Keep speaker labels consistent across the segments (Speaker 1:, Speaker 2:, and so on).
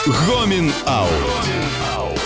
Speaker 1: Гомін Аут.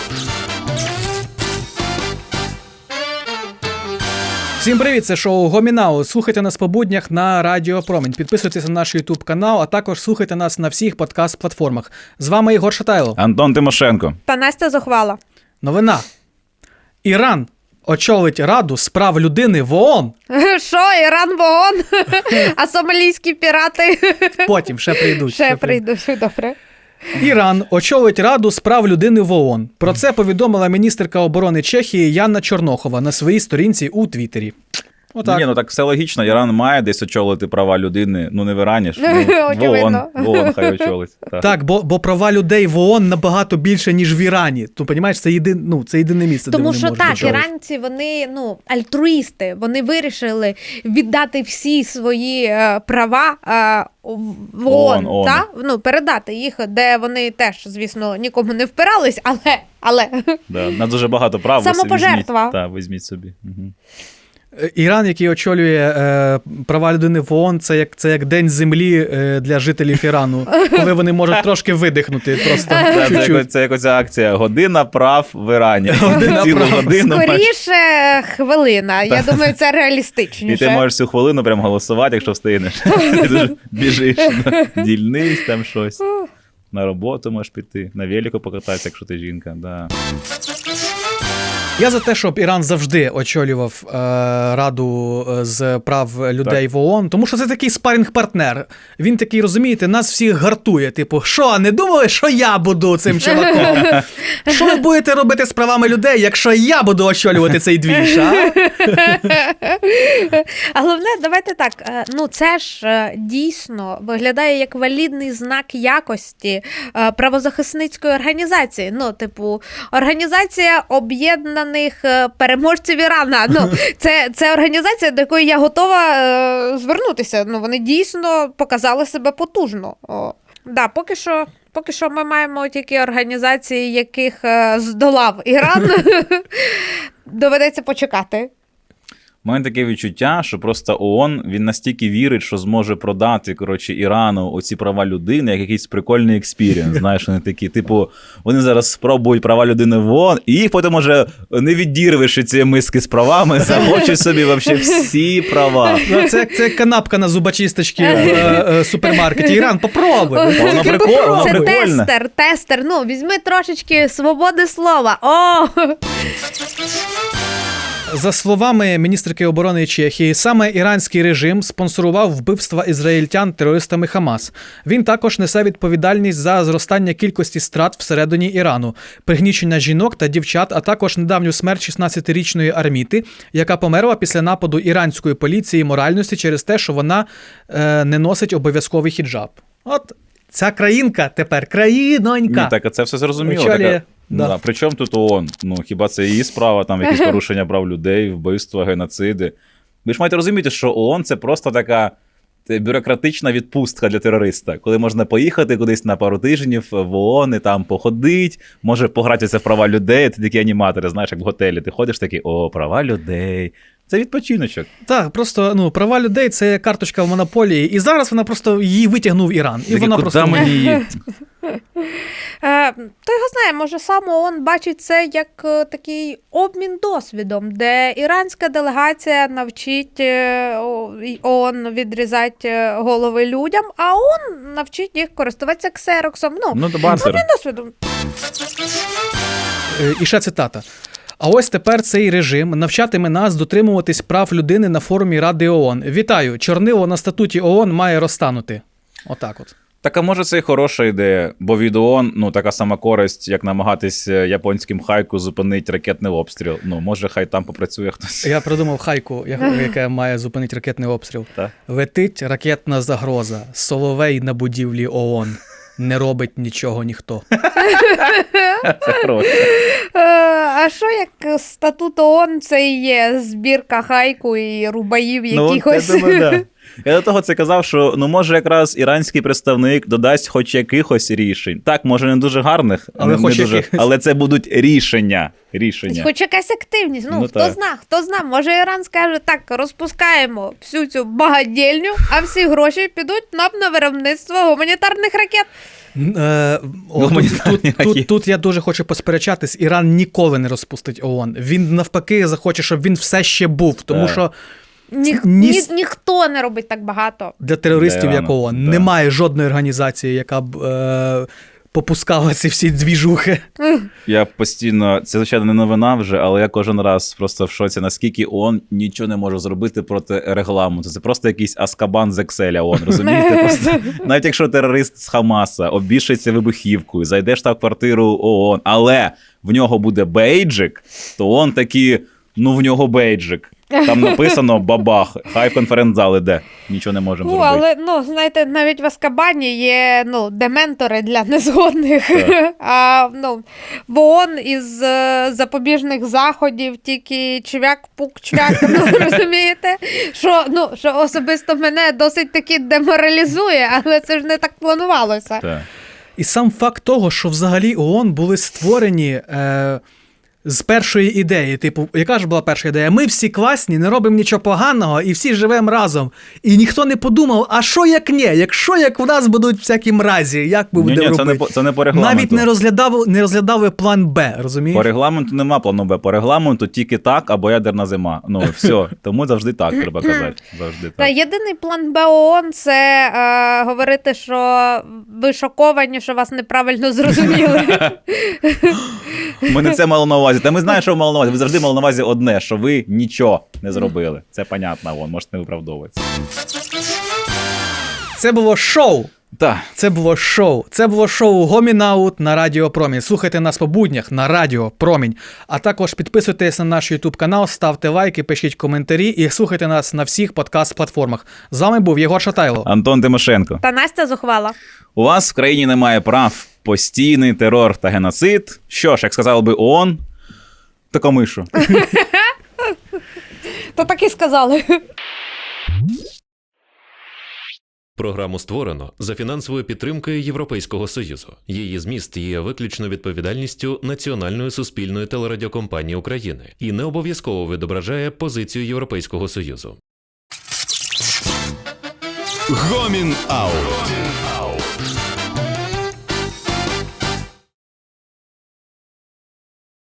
Speaker 2: Всім привіт, це шоу Гомін Аут. Слухайте нас по буднях на Радіо Промінь. Підписуйтесь на наш YouTube канал, а також слухайте нас на всіх подкаст-платформах. З вами Ігор Шатайло.
Speaker 3: Антон Тимошенко.
Speaker 4: Та Настя Зухвала.
Speaker 2: Новина. Іран очолить Раду з прав людини в ООН.
Speaker 4: Що, Іран в ООН? А сомалійські пірати?
Speaker 2: Потім ще прийдуть.
Speaker 4: Ще прийдуть, добре.
Speaker 2: Іран очолить Раду з прав людини в ООН. Про це повідомила міністерка оборони Чехії Яна Чорнохова на своїй сторінці у Твіттері. Отак.
Speaker 3: Ні, ну так все логічно. Іран має десь очолити права людини. Ну не в Ірані ж. В ООН хай очолить.
Speaker 2: Так, бо права людей в ООН набагато більше, ніж в Ірані. Ти розумієш, це єдине місце,
Speaker 4: Тому
Speaker 2: де вони
Speaker 4: що
Speaker 2: можуть
Speaker 4: так,
Speaker 2: очолити.
Speaker 4: іранці, вони альтруїсти. Вони вирішили віддати всі свої права в ООН. Та? Передати їх, де вони теж, звісно, нікому не впирались, але...
Speaker 3: Да, на дуже багато прав.
Speaker 4: Самопожертва.
Speaker 3: Так, візьміть собі. Угу.
Speaker 2: Іран, який очолює права людини в ООН, це як день землі для жителів Ірану, коли вони можуть трошки видихнути. Просто
Speaker 3: це як оця акція «Година прав в Ірані». Цілу годину.
Speaker 4: Скоріше хвилина. Я думаю, це реалістичніше.
Speaker 3: І ти можеш всю хвилину прям голосувати, якщо встигнеш. Ти дуже біжиш на дільниць, там щось. На роботу можеш піти, на велику покататися, якщо ти жінка. Да.
Speaker 2: Я за те, щоб Іран завжди очолював Раду з прав людей в ООН, тому що це такий спаринг-партнер. Він такий, розумієте, нас всіх гартує. Типу, що, не думали, що я буду цим чуваком? Що ви будете робити з правами людей, якщо я буду очолювати цей двіж, а?
Speaker 4: А головне, давайте так, це ж дійсно виглядає як валідний знак якості правозахисницької організації. Організація об'єднаних переможців Ірана. Це організація, до якої я готова звернутися. Вони дійсно показали себе потужно. Поки що ми маємо тільки організації, яких здолав Іран. Доведеться почекати.
Speaker 3: У мене таке відчуття, що просто ООН, він настільки вірить, що зможе продати, Ірану оці права людини, як якийсь прикольний експірієнс. Знаєш, вони такі, вони зараз спробують права людини в ООН, і їх потім уже не відірвеш від цієї миски з правами, захочуть собі взагалі всі права.
Speaker 2: Це канапка на зубочисточці в супермаркеті. Іран, попробуй.
Speaker 3: Воно прикольне.
Speaker 4: Це тестер. Візьми трошечки свободи слова.
Speaker 2: За словами міністерки оборони Чехії, саме іранський режим спонсорував вбивства ізраїльтян терористами Хамас. Він також несе відповідальність за зростання кількості страт всередині Ірану, пригнічення жінок та дівчат, а також недавню смерть 16-річної Арміти, яка померла після нападу іранської поліції моральності через те, що вона не носить обов'язковий хіджаб. От ця країнка тепер, країнонька.
Speaker 3: Ні, так це все зрозуміло.
Speaker 2: Очолює.
Speaker 3: Да. Причому тут ООН? Хіба це її справа, там якісь порушення прав людей, вбивства, геноциди. Ви ж маєте розуміти, що ООН – це просто така бюрократична відпустка для терориста, коли можна поїхати кудись на пару тижнів в ООН і там походить, може погратися в права людей, це такі аніматори, знаєш, як в готелі. Ти ходиш такий, права людей. Це відпочиночок.
Speaker 2: Так, просто права людей – це карточка в монополії, і зараз вона просто її витягнув Іран. І вона просто
Speaker 3: мені її?
Speaker 4: Хто його знає, може сам ООН бачить це як такий обмін досвідом, де іранська делегація навчить ООН відрізати голови людям, а ООН навчить їх користуватися ксероксом. Обмін досвідом.
Speaker 2: І ще цитата. А ось тепер цей режим навчатиме нас дотримуватись прав людини на форумі Ради ООН. Вітаю, чорнило на статуті ООН має розтанути. Отак от.
Speaker 3: Так, а може це і хороша ідея, бо від ООН, така сама користь, як намагатись японським хайку зупинити ракетний обстріл. Може хай там попрацює хтось.
Speaker 2: Я придумав хайку, яка має зупинити ракетний обстріл.
Speaker 3: Так.
Speaker 2: Летить ракетна загроза, соловей на будівлі ООН. Не робить нічого ніхто.
Speaker 3: Це хороше.
Speaker 4: А що як статут ООН це і є збірка хайку і рубаїв якихось?
Speaker 3: Я думаю, да. Я до того це казав, що може якраз іранський представник додасть хоч якихось рішень. Так, може не дуже гарних,
Speaker 2: Але
Speaker 3: не
Speaker 2: хоч
Speaker 3: дуже,
Speaker 2: якихось.
Speaker 3: але це будуть рішення.
Speaker 4: Хоч якась активність.
Speaker 3: Ну,
Speaker 4: Хто зна, може Іран скаже, так, розпускаємо всю цю багатєльню, а всі гроші підуть нам на виробництво гуманітарних ракет.
Speaker 2: Тут я дуже хочу посперечатись. Іран ніколи не розпустить ООН. Він навпаки захоче, щоб він все ще був, тому що
Speaker 4: Ніхто не робить так багато.
Speaker 2: для терористів,
Speaker 3: Для
Speaker 2: як
Speaker 3: Ірану,
Speaker 2: ООН,
Speaker 3: да.
Speaker 2: немає жодної організації, яка б попускала ці всі двіжухи.
Speaker 3: Я постійно, це звичайно не новина вже, але я кожен раз просто в шоці, наскільки ООН нічого не може зробити проти регламенту. Це просто якийсь Аскабан з Екселя ООН, розумієте? Просто, навіть якщо терорист з Хамаса обішається вибухівкою, зайде в штаб-квартиру ООН, але в нього буде бейджик, то ООН такі, в нього бейджик. Там написано бабах, хай в конференц-зал іде. Нічого не можемо зробити.
Speaker 4: Але, знаєте, навіть в Аскабані є, дементори для незгодних. В ООН із запобіжних заходів тільки чвяк-пук-чвяк, розумієте? Що особисто мене досить таки деморалізує, але це ж не так планувалося.
Speaker 3: Так.
Speaker 2: І сам факт того, що взагалі ООН були створені з першої ідеї. Типу, яка ж була перша ідея? Ми всі класні, не робимо нічого поганого і всі живемо разом. І ніхто не подумав, а що як ні? Якщо в нас будуть всякі мразі, як ми будемо робити?
Speaker 3: Це не по регламенту.
Speaker 2: Навіть не розглядали план Б, розумієш?
Speaker 3: По регламенту нема плану Б. По регламенту тільки так або ядерна зима. Все. Тому завжди так треба казати. Завжди так.
Speaker 4: Єдиний план Б ООН – це говорити, що ви шоковані, що вас неправильно зрозуміли.
Speaker 3: Ми не це мали на увазі. Та ми знаємо, що ви мали на увазі. Ви завжди мали на увазі одне, що ви нічого не зробили. Це понятно, можете не виправдовуватися.
Speaker 2: Це було шоу.
Speaker 3: Так.
Speaker 2: Це було шоу Гомінаут на Радіо Промінь. Слухайте нас по буднях на Радіо Промінь. А також підписуйтесь на наш YouTube канал, ставте лайки, пишіть коментарі і слухайте нас на всіх подкаст-платформах. З вами був Єгор Шатайло.
Speaker 3: Антон Тимошенко.
Speaker 4: Та Настя Зухвала.
Speaker 3: У вас в країні немає прав, постійний терор та геноцид. Що ж, як сказав би ООН, тако мишу.
Speaker 4: То так і сказали.
Speaker 5: Програму створено за фінансовою підтримкою Європейського Союзу. Її зміст є виключно відповідальністю Національної суспільної телерадіокомпанії України і не обов'язково відображає позицію Європейського Союзу.
Speaker 1: Гомін Аут.